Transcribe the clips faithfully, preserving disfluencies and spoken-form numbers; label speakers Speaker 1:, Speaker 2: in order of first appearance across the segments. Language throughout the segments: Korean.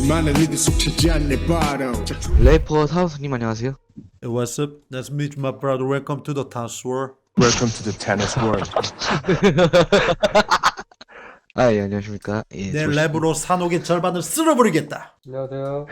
Speaker 1: 수많은 이들 속 차지한 내 바로
Speaker 2: 래퍼 타우스님 안녕하세요.
Speaker 3: Hey, what's up? Nice to meet you, my brother. Welcome to the tennis world.
Speaker 4: Welcome to the tennis world.
Speaker 2: 아, 예, 안녕하십니까. 예,
Speaker 3: 내
Speaker 2: 조시-
Speaker 3: 랩으로 산옥의 절반을 쓸어버리겠다.
Speaker 5: 안녕하세요.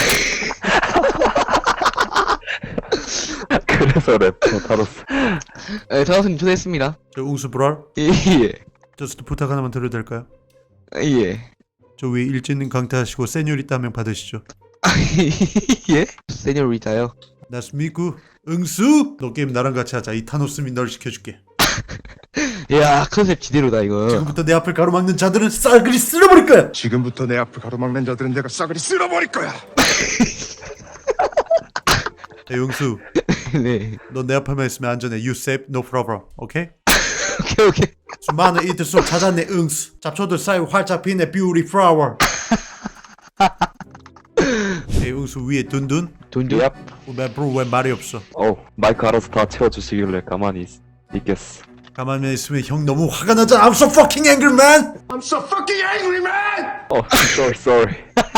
Speaker 4: 그래서 래퍼 타로스.
Speaker 2: 예, 타우스님 초대했습니다.
Speaker 3: 저 웅수 브랄,
Speaker 2: 예, 예.
Speaker 3: 저스트 부탁 하나만 드려도 될까요?
Speaker 2: 예.
Speaker 3: 저 위에 일진님 강퇴하시고 세뇨리따 한 명 받으시죠.
Speaker 2: 예? 세뇨리타요?
Speaker 3: 나스 미쿠 응수! 너 게임 나랑 같이 하자. 이 타노스미 널 시켜줄게.
Speaker 2: 야, 컨셉 지대로다, 이거.
Speaker 3: 지금부터 내 앞을 가로막는 자들은 쌀그리 쓸어버릴 거야.
Speaker 1: 지금부터 내 앞을 가로막는 자들은 내가 싸그리 쓸어버릴 거야.
Speaker 3: 야, 응수,
Speaker 2: 네.
Speaker 3: 너 내 앞에만 있으면 안전해. You safe, no problem. 오케이?
Speaker 2: 오케이, 오케이.
Speaker 3: 수많은 이들 속 찾아내 응수. 잡초들 사이 활짝 피네 beauty flower. 이 응수 위에 둔둔.
Speaker 2: 돈도?
Speaker 4: Yep.
Speaker 3: 왜 브로 왜 말이 없어?
Speaker 4: 어, 마이크 알아서 다 채워주시길래 가만히 있, 있겠어.
Speaker 3: 가만히 있으면 형 너무 화가 나잖아. I'm so fucking angry, man.
Speaker 1: I'm so fucking angry, man.
Speaker 4: 어, sorry, sorry.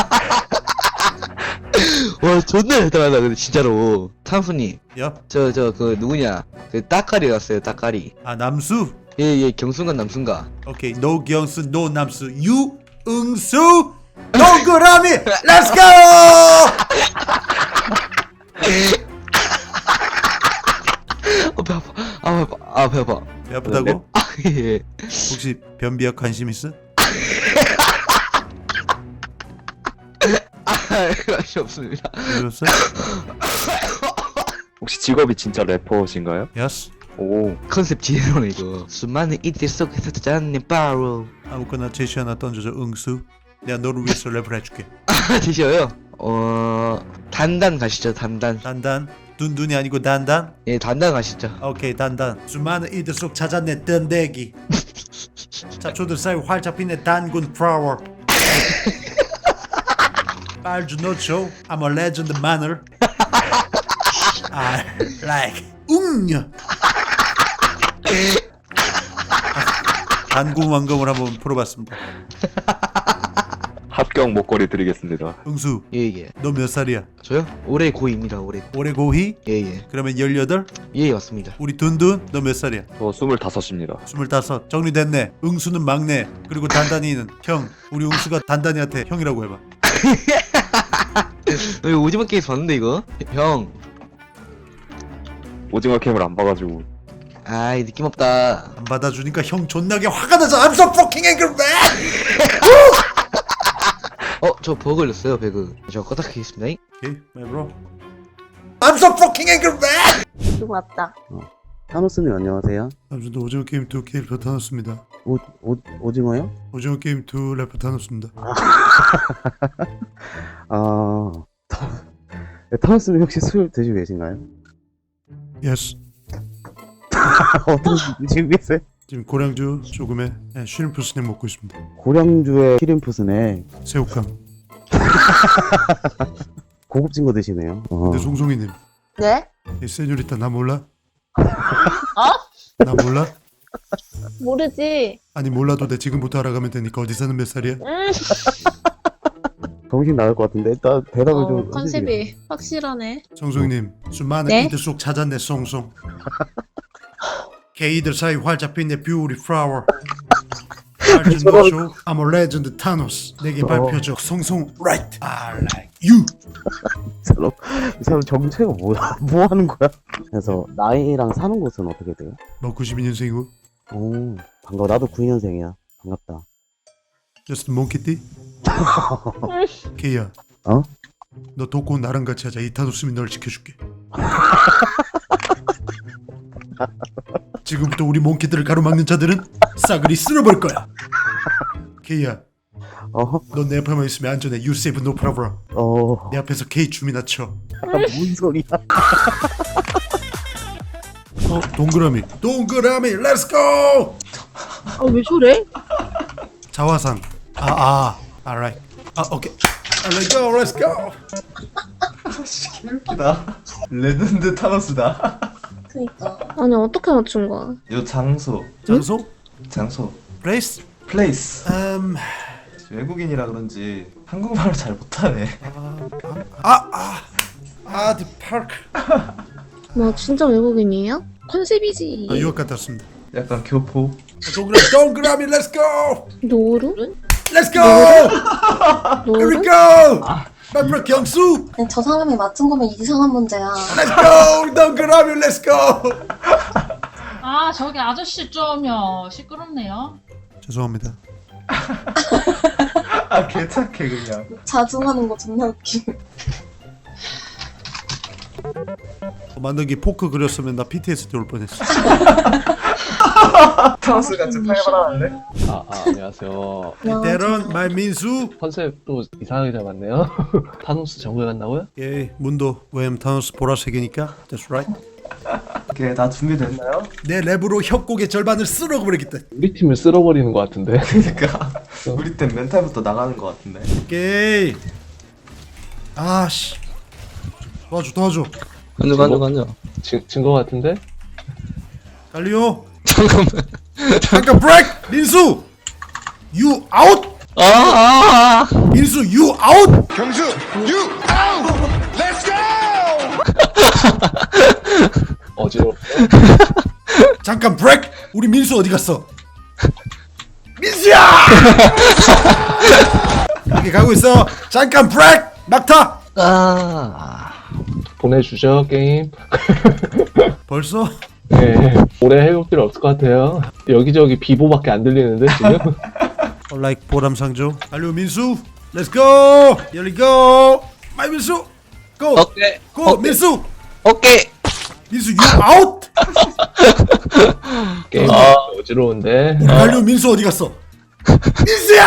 Speaker 2: 와, 존나 대단하다, 근데 진짜로. 타우스님,
Speaker 3: 야,
Speaker 2: 저, 저, 그, 누구냐. 그, 따까리 갔어요, 따까리.
Speaker 3: 아 남수.
Speaker 2: 예, 예, 경순가 남순가.
Speaker 3: 오케이, 노경수, 노남수, 유응수, 동그라미. Let's go.
Speaker 2: 어, 배 아파. 아, 배 아파. 아, 배 아파.
Speaker 3: 배 아프다고?
Speaker 2: 아, 예.
Speaker 3: 혹시 변비약 관심 있어?
Speaker 2: 아, 관심 없습니다.
Speaker 3: 들었어?
Speaker 4: 혹시 직업이 진짜 래퍼신가요?
Speaker 3: Yes.
Speaker 4: 오,
Speaker 2: 컨셉 지대로네, 이거. 수많은 이들 속에서 찾아낸 바로.
Speaker 3: 아무거나 제시 하나 던져줘. 응수. 내가 너를 위해서 랩을 해줄게.
Speaker 2: 아, 드셔요? 어, 단단 가시죠, 단단.
Speaker 3: 단단. 둔둔이 아니고 단단.
Speaker 2: 예, 단단 가시죠.
Speaker 3: 오케이, 단단. 수많은 이들 속 찾아내 던데기. 잡초들 사이 활짝 피네 단군 플라워. 빨주 노초. I'm a legend manner. I like 웅녀. 단군 왕검을 한번 풀어봤습니다.
Speaker 4: 합격 목걸이 드리겠습니다.
Speaker 3: 응수,
Speaker 2: 예, 예.
Speaker 3: 너 몇 살이야?
Speaker 2: 저요? 올해 고입니다, 올해.
Speaker 3: 올해 고희?
Speaker 2: 예, 예.
Speaker 3: 그러면 열여덟?
Speaker 2: 예, 맞습니다.
Speaker 3: 우리 둔둔, 너 몇 살이야?
Speaker 4: 저 스물다섯입니다.
Speaker 3: 스물다섯. 정리됐네. 응수는 막내, 그리고 단단이는 형. 우리 응수가 단단이한테 형이라고 해봐.
Speaker 2: 너 이거 오징어 게임 봤는데, 이거? 형.
Speaker 4: 오징어 캠을 안 봐가지고.
Speaker 2: 아이, 느낌 없다.
Speaker 3: 안 받아주니까 형 존나게 화가 나서 I'm so fucking angry, man!
Speaker 2: 어, 저 버그 걸렸어요, 배그. 저 껐다키겠습니다.
Speaker 3: 오케이, my bro. I'm so fucking angry, man!
Speaker 6: 누구 왔다.
Speaker 7: 타노스님 안녕하세요.
Speaker 3: 남준도 오징어 게임 이 캐릭터 타놓습니다.
Speaker 7: 오, 오, 오징어요?
Speaker 3: 오징어 게임 이 래퍼 타놓습니다.
Speaker 7: 아, 타, 네, 타노스님 혹시 술 드시고 계신가요?
Speaker 3: Yes.
Speaker 7: 어떤 드시고 계세요?
Speaker 3: 지금 고량주 조금에 네, 슈림프 스낵 먹고 있습니다.
Speaker 7: 고량주에 키림프 스낵
Speaker 3: 새우깡.
Speaker 7: 고급진 거 드시네요. 어.
Speaker 3: 근데 송송이님,
Speaker 6: 네?
Speaker 3: 이 세뇨리타 나 몰라?
Speaker 6: 어?
Speaker 3: 나 몰라?
Speaker 6: 모르지.
Speaker 3: 아니 몰라도 돼. 지금부터 알아가면 되니까. 어디 사는 몇 살이야?
Speaker 6: 음.
Speaker 7: 정신 나갈 것 같은데 일단 대답을
Speaker 6: 어,
Speaker 7: 좀 해주세요.
Speaker 6: 컨셉이 확실하네.
Speaker 3: 송송이님, 수많은
Speaker 6: 네?
Speaker 3: 이들 속 찾아내 송송. 게이들 사이 활짝 핀내 뷰티 플라워. 빨주 노쇼. I'm a legend 타노스. 내게 발표줘. 송송 right. I like you.
Speaker 7: 이 사람, 이 사람 정체가 뭐야? 뭐 하는 거야? 그래서 나이랑 사는 곳은 어떻게 돼요?
Speaker 3: 너 구십이 년생이고
Speaker 7: 오, 반가워. 나도 구이 년생이야. 반갑다.
Speaker 3: just 몽키띠? 케이야.
Speaker 7: 어?
Speaker 3: 너 돕고 나랑 같이 하자. 이 타노스미 널 지켜줄게. 지금부터 우리 몽키들을 가로막는 자들은 싸그리 쓸어버릴 거야. 케이야,
Speaker 7: 어,
Speaker 3: 너 내 앞에만 있으면 안전해. You save no problem.
Speaker 7: 어,
Speaker 3: 내 앞에서 K 춤이나 춰.
Speaker 7: 뭔 소리야?
Speaker 3: 어, 동그라미. 동그라미. Let's go.
Speaker 6: 아, 왜 저래?
Speaker 3: 자화상. 아, 아. Alright. 아, 오케이. 아, Let's go. Let's go.
Speaker 5: 웃기다. 레전드 타노스다.
Speaker 6: 그니까. 아니, 어떻게 맞춘 거야?
Speaker 5: 요 장소,
Speaker 3: 장소?
Speaker 5: 장소,
Speaker 3: Place?
Speaker 5: 플레이스.
Speaker 3: Um,
Speaker 5: 외국인이라 그런지 한국말을 잘 못하네.
Speaker 3: 아, 디 파크.
Speaker 6: 뭐 진짜 외국인이에요? 컨셉이지.
Speaker 3: 아, 유학 갔다 왔습니다.
Speaker 5: 약간 교포.
Speaker 3: 동그라미, 동그라미, let's go,
Speaker 6: 노루?
Speaker 3: let's go, here we
Speaker 6: 노루?
Speaker 3: go. 빨리 경수,
Speaker 8: 저 사람이 맞춘 거면 이상한 문제야.
Speaker 3: let's go, 동그라미, let's go.
Speaker 9: 아 저기 아저씨 좀요 시끄럽네요.
Speaker 3: 죄송합니다.
Speaker 5: 아 개착해 그냥.
Speaker 8: 자중하는 거 존나 웃기.
Speaker 3: 만덕이 포크 그렸으면 나 피티에스디 올 뻔했어.
Speaker 5: 타노스 같이 팔바라는데?
Speaker 10: 아, 아 안녕하세요.
Speaker 3: 때론 말 민수.
Speaker 10: 컨셉도 이상하게 잡았네요. 타노스 정글 간다고요?
Speaker 3: 예, 문도 왜냐면 타노스 보라색이니까. That's right.
Speaker 5: 오케이 다 준비됐나요?
Speaker 3: 내 랩으로 협곡의 절반을 쓸어버리겠다.
Speaker 10: 우리 팀을 쓸어버리는 것 같은데.
Speaker 5: 그러니까 우리 땐 멘탈부터 나가는 것 같은데.
Speaker 3: 오케이. 아씨. 도와줘, 도와줘.
Speaker 2: 간주 간주 간주.
Speaker 10: 진거 같은데?
Speaker 3: 갈리오.
Speaker 2: 잠깐만.
Speaker 3: 잠깐 브레이크. 민수. You out.
Speaker 2: 아, 아, 아.
Speaker 3: 민수 you out.
Speaker 1: 경수, you out! Let's go!
Speaker 10: 어지러워.
Speaker 3: 잠깐 브레이크. 우리 민수 어디 갔어? 민수야. 여기 가고 있어. 잠깐 브레이크. 막타.
Speaker 2: 아.
Speaker 10: 보내주죠 게임.
Speaker 3: 벌써?
Speaker 10: 네. 오래 해볼 필요 없을 것 같아요. 여기저기 비보밖에 안 들리는데 지금?
Speaker 3: like 보람상조. 갈리오 민수. Let's go. Here we go. 마이 민수. Go.
Speaker 2: 오케이.
Speaker 3: Go
Speaker 2: 오케이.
Speaker 3: 민수.
Speaker 2: 오케이.
Speaker 3: 민수 you out.
Speaker 10: 게임
Speaker 2: 아.
Speaker 10: 어지러운데.
Speaker 3: 우리 갈리오 민수 어디 갔어? 민수야!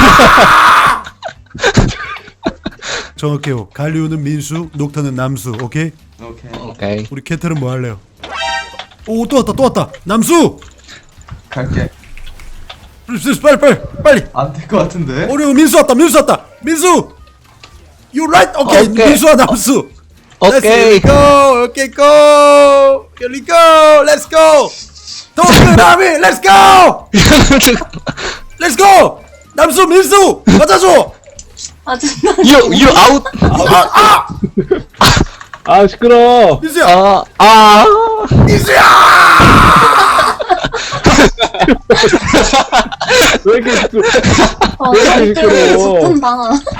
Speaker 3: 정확해요. 갈리오는 민수, 녹타는 남수. 오케이?
Speaker 5: 오케이
Speaker 2: 오케이.
Speaker 3: 우리 캐틀은 뭐 할래요? 오, 또 왔다, 또 왔다. 남수!
Speaker 5: 갈게.
Speaker 3: 빨리, 빨리, 빨리.
Speaker 5: 안 될 것 같은데?
Speaker 3: 어려워, 민수 왔다, 민수 왔다. 민수! You right? 오케이,
Speaker 2: 오케이.
Speaker 3: 민수와 남수. Let's
Speaker 2: 오케이.
Speaker 3: go. 오케이, go. Here we go. Let's go. 동그라미, let's go. Let's go. 남수, 민수, 맞아줘.
Speaker 8: 아 존나.
Speaker 2: You you out.
Speaker 3: 아, 아,
Speaker 10: 아 시끄러.
Speaker 3: 민수야,
Speaker 2: 아, 아.
Speaker 3: 민수야.
Speaker 10: 왜 이렇게 시끄러?
Speaker 8: 어,
Speaker 10: 왜 이렇게
Speaker 8: 저렇게
Speaker 10: 시끄러?
Speaker 8: 좋던다.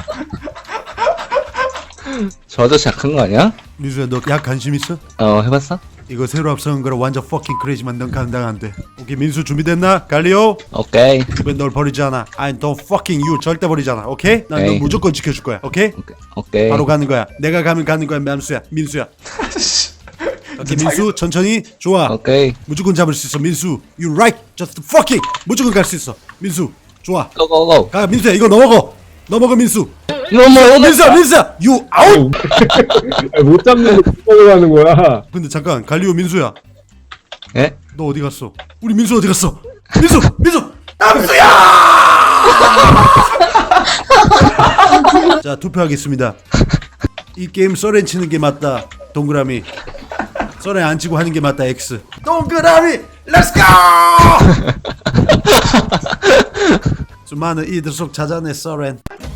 Speaker 2: 저 아저씨 약한 거 아니야?
Speaker 3: 민수야, 너 약 관심 있어?
Speaker 2: 어, 해봤어?
Speaker 3: 이거 새로 앞서는 거라 완전 fucking crazy만 넌 감당 안 돼. 오케이, 민수 준비됐나? 갈리오?
Speaker 2: 오케이.
Speaker 3: 이번 널 버리지 않아. I don't fucking you 절대 버리지 않아. 오케이? 난 너
Speaker 2: 오케이.
Speaker 3: 무조건 지켜줄 거야. 오케이?
Speaker 2: 오케이. 오케이.
Speaker 3: 바로 가는 거야. 내가 가면 가는 거야. 남수야, 민수야. 오케이, 민수 천천히. 좋아.
Speaker 2: 오케이.
Speaker 3: 무조건 잡을 수 있어. 민수, you right. Just fucking 무조건 갈 수 있어. 민수, 좋아.
Speaker 2: 고고고.
Speaker 3: 가, 민수야, 이거 넘어가. 넘어가, 민수.
Speaker 2: 너무
Speaker 3: 민수야, 민수야, you out.
Speaker 10: 못 잡는 거 못 하는 거야.
Speaker 3: 근데 잠깐, 갈리오 민수야.
Speaker 2: 예?
Speaker 3: 너 어디 갔어? 우리 민수 어디 갔어? 민수! 민수! 남수야! 자, 투표하겠습니다. 이 게임 썰렌 치는 게 맞다. 동그라미. 썰렌 안 치고 하는 게 맞다. X. 동그라미! 렛츠고! 수많은 이들 속 찾아내 썰렌.